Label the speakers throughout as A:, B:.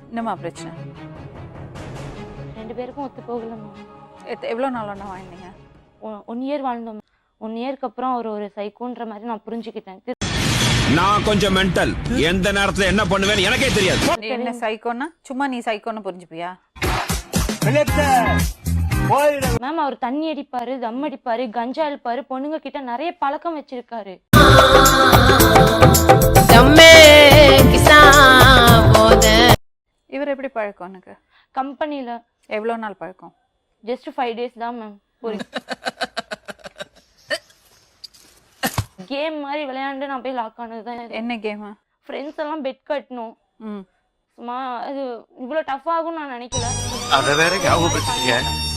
A: என்னம்மா பிரச்சனை?
B: ரெண்டு பேருக்கும் ஒத்து போகல மேம்.
A: எவ்வளோ நாள் ஒன்றா வாழ்ந்தீங்க?
B: 1 இயர் வாழ்ந்தோம். 1 இயருக்கு அப்புறம் அவர் ஒரு சைக்கோன்ற மாதிரி நான் புரிஞ்சுக்கிட்டேன்.
C: நான் கொஞ்சம் மென்டல். எந்த நேரத்துல என்ன பண்ணுவேன்னு எனக்கே தெரியாது.
A: என்ன சைக்கோன்னா சும்மா நீ சைக்கோன்னு புரிஞ்சுப்பியா?
B: மேம் அவர் தண்ணி அடிப்பாரு, தம் அடிப்பாரு, கஞ்சா அடிப்பாரு, பொண்ணுங்க கிட்ட நிறைய பழக்கம் வச்சிருக்காரு.
A: இவர் எப்படி பழக்கம் உனக்கு?
B: கம்பெனில.
A: எவ்வளோ நாள் பழக்கம்?
B: ஜஸ்ட் 5 days தான் மேம். கேம் மாதிரி விளையாண்டு நான் போய் லாக் ஆனதுதான்.
A: என்ன கேம்?
B: ஃப்ரெண்ட்ஸ் எல்லாம் பெட் கட்டணும். சும்மா அது இவ்வளவு டஃப் ஆகும் நான் நினைக்கல.
D: அத வேற ஞாபகப்படுத்தீங்க.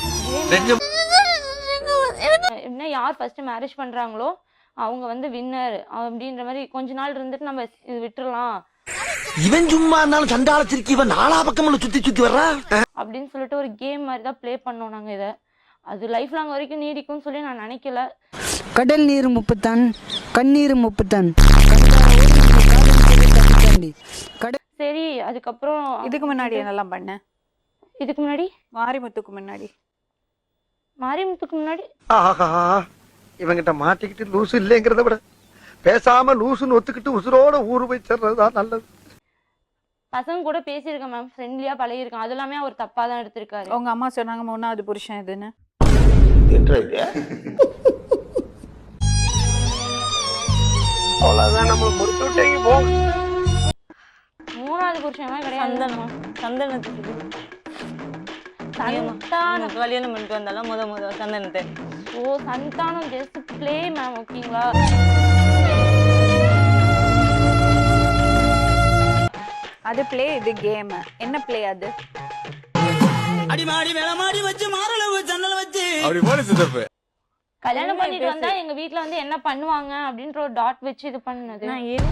B: என்ன யார் ஃபர்ஸ்ட் மேரேஜ் பண்றாங்களோ அவங்க வந்து வின்னர் அப்படின்ற மாதிரி கொஞ்ச நாள் இருந்துட்டு நம்ம இது விட்டுறலாம்.
E: இவன் சும்மா இருந்தாலும் சண்டாளத்திற்கு இவன் நாலா பக்கம் சுத்தி வர்றா
B: அப்படின்னு சொல்லிட்டு ஒரு கேம் மாதிரி தான் ப்ளே பண்ணோம் நாங்க. இதை அது லைஃப் லாங் வரைக்கும் நீடிக்கும்னு சொல்லி நான் நினைக்கல.
F: கடல் நீர் 30 டன், கண்ணீர் 30 டன்.
B: சரி, அதுக்கப்புறம்
A: இதுக்கு முன்னாடி என்னெல்லாம் பண்ண?
B: இதுக்கு முன்னாடி
A: மாரிமுத்துக்கு முன்னாடி
E: ஆஹா இவங்கிட்ட மாட்டிக்கிட்டு லூசு இல்லைங்கிறத விட பேசாம லூசுன்னு ஒத்துக்கிட்டு உசுரோட ஊரு போய் சேர்றதுதான் நல்லது.
B: பசங்க கூட பேசியிருக்கேன் மேம், ஃப்ரெண்ட்லியா பழகிருக்கேன். அது எல்லாமே அவர் தப்பா தான் எடுத்திருக்காரு.
A: உங்க அம்மா சொன்னாங்க 3வது புருஷன் இதுன்னு.
E: அவ்வளவுதான் நம்ம முடிச்சு விட்டீங்க போ.
B: 3வது புருஷன் கிடையாது.
G: சந்தனத்துக்கு கல்யாணம் பண்ணிட்டு வந்தாலும் முத சந்தனத்தை.
B: ஓ சந்தானம் ஜஸ்ட் ப்ளே மேம், ஓகேங்களா?
A: அது ப்ளே, இது கேம். என்ன ப்ளே அது?
H: அடிமாடி மேலமாடி வச்சு மாரளவு ஜன்னல் வச்சு
C: அப்படி போல சித்தப்பு.
B: கல்யாணம் பண்ணிட்டு வந்தா எங்க வீட்ல வந்து என்ன பண்ணுவாங்க அப்படின்ற ஒரு டாட் வச்சு இது பண்ணது.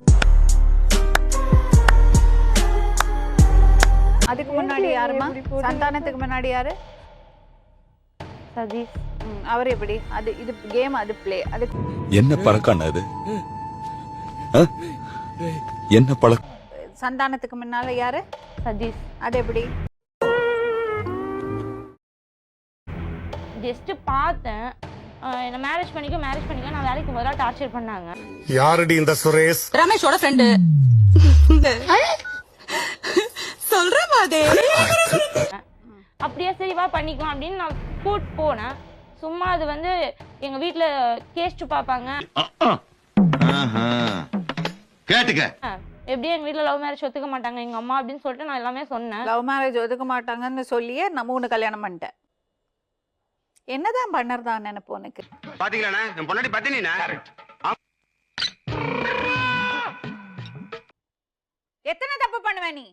A: அதுக்கு முன்னாடி யாருமா? சந்தானத்துக்கு முன்னாடி யாரு?
B: சதீஷ்.
A: அவர் எப்படி? அது இது கேம், அது ப்ளே. அது
C: என்ன பழக்கம் அது? என்ன பழக்கம்?
A: சந்தானத்துக்கு முன்னால யாரு?
B: சதீஷ்.
A: அது எப்படி?
B: ஜஸ்ட் பார்த்தேன். என்ன மேரேஜ் பண்ணிக்க நான் வேலைக்கு முதல்ல டார்ச்சர் பண்ணாங்க.
I: யாருடி இந்த சுரேஷ்?
G: ரமேஷோட ஃப்ரெண்டு. சொல்ற மாதிரி
B: அப்படியே சரி வா பண்ணிக்கலாம் அப்படின்னு நான் கூட்டு போனேன். சும்மா அது வந்து எங்க வீட்டுல கேஸ்ட் பாப்பாங்க.
D: கேட்டுக்க.
B: எப்படியும் எங்க வீட்டுல லவ் மேரேஜ் ஒத்துக்க மாட்டாங்க எங்க அம்மா அப்படின்னு சொல்லிட்டு நான் எல்லாமே சொன்னேன்.
A: லவ் மேரேஜ் ஒதுக்க மாட்டாங்கன்னு சொல்லியே நம்ம ஒண்ணு கல்யாணம் பண்ணிட்டேன். என்னதான் பண்ணறதா நினைப்பு உனக்கு?
D: பாத்தீங்களா என் பொண்டாட்டி பத்தினா
A: எத்தனை தப்பு பண்ணுவ நீ?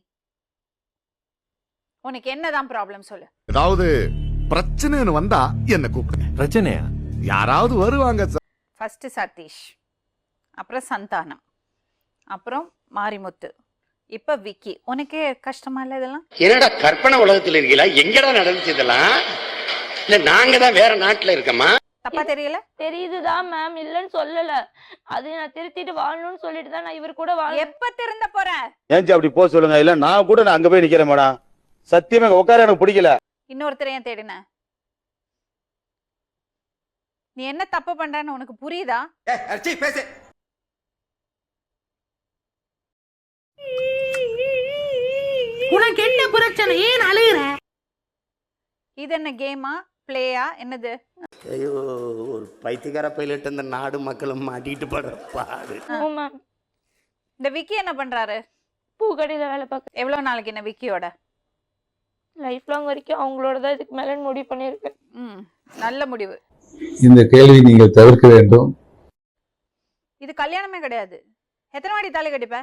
A: உனக்கு என்னதான் ப்ராப்ளம் சொல்லு.
I: ஏதாவது பிரச்சனைன்னு வந்தா என்ன கூப்பிடுங்க.
C: பிரச்சனையா?
I: யாராவது வருவாங்க.
A: ஃபர்ஸ்ட் சதீஷ், அப்புறம் சந்தானம், அப்புறம் மாரிமுத்து, இப்ப விக்கி. உனக்கே கஷ்டமா இல்ல இதெல்லாம்?
D: என்னடா கற்பனை உலகத்துல இருக்கீங்களா? எங்கடா நடந்துச்சு இதெல்லாம்? இல்ல நாங்க தான் வேற நாட்டுல இருக்கமா?
A: தப்பா தெரியல?
B: தெரியுதுதான் மேம், இல்லன்னு சொல்லல. அது நான் திருத்திட்டு வாழணும்னு சொல்லிட்டு தான் நான் இவர் கூட
A: எப்ப திருந்த போற?
J: ஏன் அப்படி போக சொல்லுங்க. இல்ல நான் கூட அங்க போய் நிக்கிறேன் மேடம். சத்தியமா உட்கார எனக்கு பிடிக்கல.
A: இன்னொருத்தர் ஏன் தேடின? நீ என்ன தப்பு பண்றன்னு உனக்கு புரியுதா?
D: பேசு.
G: உனக்கு என்ன பிரச்சனை? ஏன் அழுகுற?
A: இது என்ன கேமா பிளேயா என்னது?
E: ஐயோ ஒரு பைத்தியக்கார பைலட் இந்த நாடு மக்களும் மாட்டிட்டு படுற பாடு.
A: இந்த விக்கி என்ன பண்றாரு?
B: பூக்கடையில வேலை பார்க்க.
A: எவ்வளவு நாளைக்கு என்ன விக்கியோட?
B: லைஃப் லாங் வரைக்கும் அவங்களோட தான் இதுக்கு மேல முடிவு பண்ணிருக்கேன்.
A: நல்ல முடிவு.
K: இந்த கேள்வி நீங்கள் தவிர்க்க வேண்டும்.
A: இது கல்யாணமே கிடையாது. எத்தனை வாட்டி தாலி கட்டிப்ப?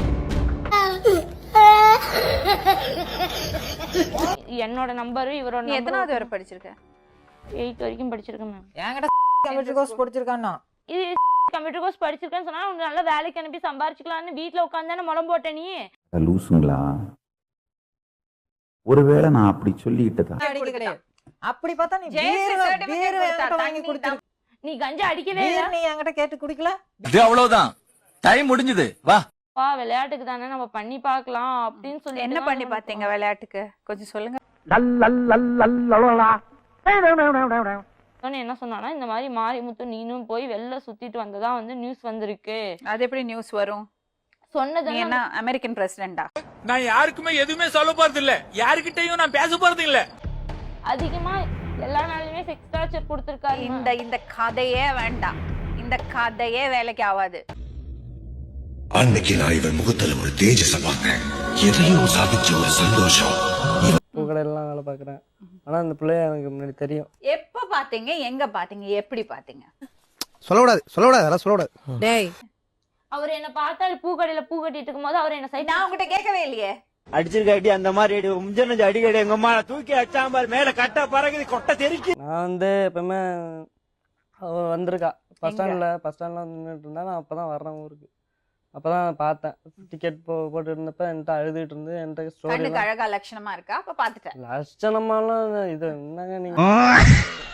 B: என்னோட நம்பரு இவரோட.
A: நீ எத்தனாவது வரை படிச்சிருக்க?
B: 8 வரைக்கும் படிச்சிருக்கேன் மேம்.
G: என்கிட்ட கம்ப்யூட்டர் கோர்ஸ் படிச்சிருக்கானோ.
B: இது கம்ப்யூட்டர் கோர்ஸ் படிச்சிருக்கேன்னு சொன்னா உன்னை நல்ல வேலைக்கு அனுப்பி சம்பாரிச்சுக்கலாம்னு வீட்டுல உட்காந்தானே முளம் போட்ட நீ.
L: லூசுங்களா? ஒருவேளை நான் அப்படி சொல்லிக்கிட்டதா?
G: அப்படி பார்த்தா நீ வாங்கி கொடுத்த.
B: நீ கஞ்சா அடிக்கவே இல்ல.
G: நீ என்கிட்ட கேட்டு குடிக்கல.
C: இது அவ்வளவுதான். டைம் முடிஞ்சது. வா.
B: விளையாட்டுக்கு தானே நம்ம பண்ணி பார்க்கலாம் அப்படின்னு சொல்லி
A: என்ன பண்ணி பார்த்தீங்க விளையாட்டுக்கு கொஞ்சம் சொல்லுங்க.
B: என்ன சொன்னானா, இந்த மாதிரி மாரிமுத்து நீனும் போய் வெளில சுத்திட்டு வந்ததா வந்து நியூஸ் வந்திருக்கு.
A: அது எப்படி நியூஸ் வரும்?
B: சொன்னது
A: நீ என்ன அமெரிக்கன் பிரசிடென்டா?
H: நான் யாருக்குமே எதுவுமே சொல்ல போறது இல்ல, யாருக்கிட்டையும் நான் பேச போறது இல்ல.
B: அதிகமா எல்லா நாளுமே செக்ஸ் டார்ச்சர் கொடுத்திருக்காரு.
A: இந்த கதையே வேண்டாம், இந்த கதையே வேலைக்கு ஆகாது.
C: அன்னைக்கு நான் இவன் முகத்துல ஒரு தேஜஸ பார்த்தேன், எதையோ சாதிச்ச ஒரு சந்தோஷம்.
G: பூக்கடையெல்லாம் வேலை பார்க்குறேன். ஆனால் அந்த பிள்ளைய எனக்கு முன்னாடி தெரியும்.
A: எப்ப பாத்தீங்க, எங்க பாத்தீங்க, எப்படி பாத்தீங்க?
E: சொல்லக்கூடாது அதெல்லாம் சொல்லக்கூடாது.
G: டேய்
B: அவர் என்ன பார்த்தாரு பூக்கடையில பூ கட்டிட்டு இருக்கும்போது அவர் என்ன சைட்.
A: நான் உங்ககிட்ட கேட்கவே இல்லையே.
H: அடிச்சிருக்காட்டி அந்த மாதிரி முஞ்சனஞ்சு அடிக்கடி எங்க அம்மா தூக்கி அச்சாம்பார் மேல கட்ட பறகுது கொட்டை தெரிக்கி.
G: நான் வந்து எப்பவுமே அவ வந்திருக்கா பஸ் ஸ்டாண்ட்ல நின்றுட்டு இருந்தா. நான் அப்பதான் வர்றேன் ஊருக்கு. அப்பதான் பார்த்தேன். டிக்கெட் போட்டு இருந்தப்ப என்கிட்ட அழுதுட்டு இருந்து என்கிட்ட ஸ்டோரி
A: அழகா லட்சணமா இருக்கா? அப்ப பாத்துட்டேன்.
G: லட்சணமாலாம் இது என்னங்க நீங்க